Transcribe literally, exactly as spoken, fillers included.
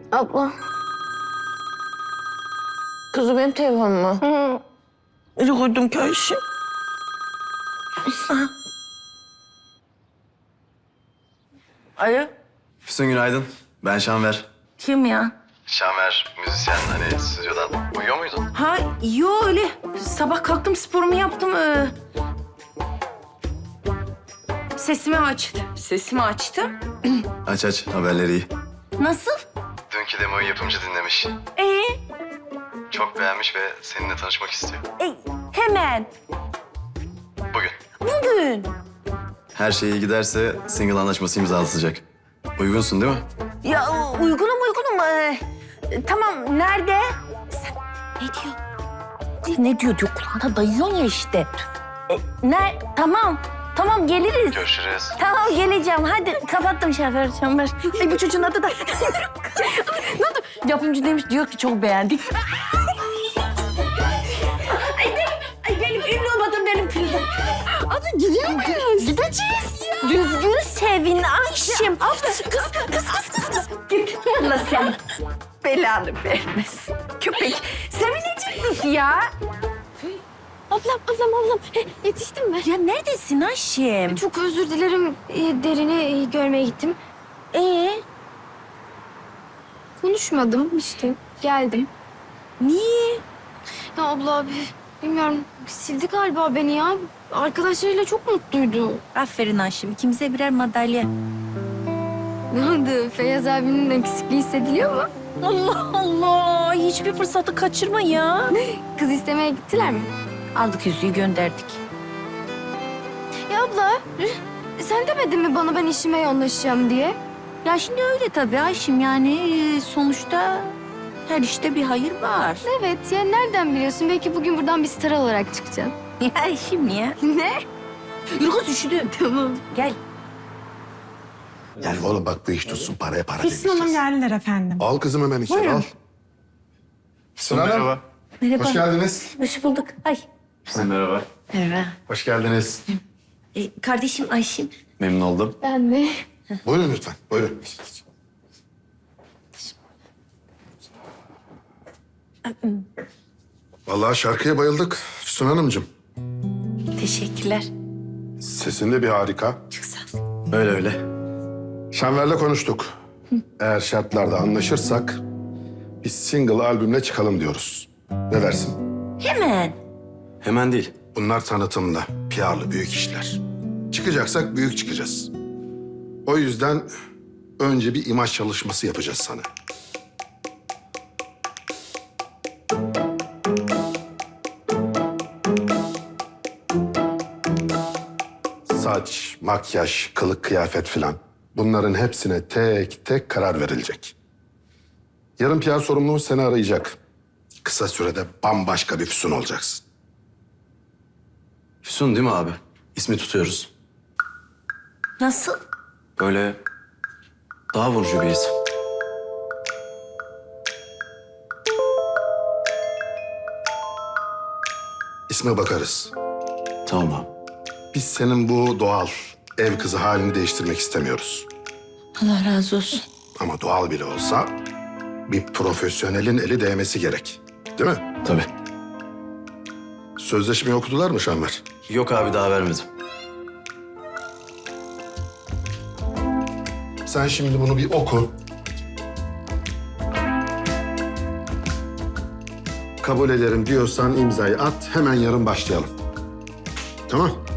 Abla. Kızım benim telefonum mu? Hı. Nereye koydum ki Ayşe? Alo, Füsun günaydın. Ben Şanver. kim ya? Şanver, müzisyen hani stüdyodan. Uyuyor muydun? Ha, yo öyle. Sabah kalktım, sporumu yaptım. Ee... Sesimi açtı. Sesimi açtım. Aç aç, haberleri iyi. Nasıl? Dünkü demoyu yapımcı dinlemiş. Ee, Çok beğenmiş ve seninle tanışmak istiyor. e, hemen. Bugün. Bugün. Her şey iyi giderse single anlaşması imzalatacak. Uygunsun değil mi? Ya uygunum uygunum. Ee, tamam, nerede? Sen ne diyor? Kız ne diyor diyor, kulağına dayıyorsun ya işte. E, ne? Tamam, tamam geliriz. Görüşürüz. Tamam geleceğim. Hadi kapattım şoför şoför. Ay bu çocuğun adı da. Ne oldu? Yapımcı demiş, diyor ki çok beğendik. Ay benim, ay benim ünlü olmadım benim kızım. Hadi gidiyor muyuz? Gideceğiz ya. Düzgün sevin Ayşem. Kız, kız, kız, kız, kız, kız. Git. Allah sen belanı vermesin. Köpek. Sevinecektik ya. Ablam, ablam, ablam. He, yetiştim mi? Ya neredesin Ayşem? Çok özür dilerim. E, Derin'i e, görmeye gittim. Ee, Konuşmadım işte. Geldim. niye? Ya abla abi, bilmiyorum. Sildi galiba beni ya. Arkadaşlarıyla çok mutluydu. Aferin Ayşem. İkimize birer madalya. Ne oldu? Feyyaz abinin eksikliği hissediliyor mu? Allah Allah. Hiçbir fırsatı kaçırma ya. Kız istemeye gittiler mi? Aldık yüzüğü gönderdik. Ya abla, e, sen demedin mi bana ben işime yoğunlaşacağım diye? Ya şimdi öyle tabii Ayşem, yani e, sonuçta her işte bir hayır var. Evet ya, nereden biliyorsun? Belki bugün buradan bir star olarak çıkacaksın. Ya Ayşem ya. Ne? Yürü kız, üşüdüm. Tamam. Gel. Yani oğlum bak bu iş tutsun, paraya para Füsun Hanım demeyeceğiz. geldiler efendim. Al kızım hemen içeri Buyurun. al. Füsun Hanım. Merhaba. Hoş geldiniz. Hoş bulduk. Ay. Merhaba. Merhaba. Hoş geldiniz. E, kardeşim Ayşem. Memnun oldum. Ben de. Buyurun lütfen, buyurun. Vallahi şarkıya bayıldık Füsun Hanımcığım. Teşekkürler. Sesin de bir harika. Çok sağ ol. Öyle öyle. Şenver'le konuştuk. Eğer şartlarda anlaşırsak bir single albümle çıkalım diyoruz. Ne dersin? Hemen. Hemen değil. Bunlar tanıtımlı, P R'lı büyük işler. Çıkacaksak büyük çıkacağız. O yüzden önce bir imaj çalışması yapacağız sana. Saç, makyaj, kılık, kıyafet filan. Bunların hepsine tek tek karar verilecek. Yarın P R sorumlumuz seni arayacak. Kısa sürede bambaşka bir Füsun olacaksın. Füsun değil mi abi? İsmi tutuyoruz. Nasıl? Böyle daha vurucu bir isim. İsme bakarız. Tamam abi. Biz senin bu doğal ev kızı halini değiştirmek istemiyoruz. Allah razı olsun. Ama doğal bile olsa bir profesyonelin eli değmesi gerek. Değil mi? Tabii. Sözleşmeyi okudular mı Şanver? Yok abi, daha vermedim. Sen şimdi bunu bir oku. Kabul ederim diyorsan imzayı at, hemen yarın başlayalım. Tamam?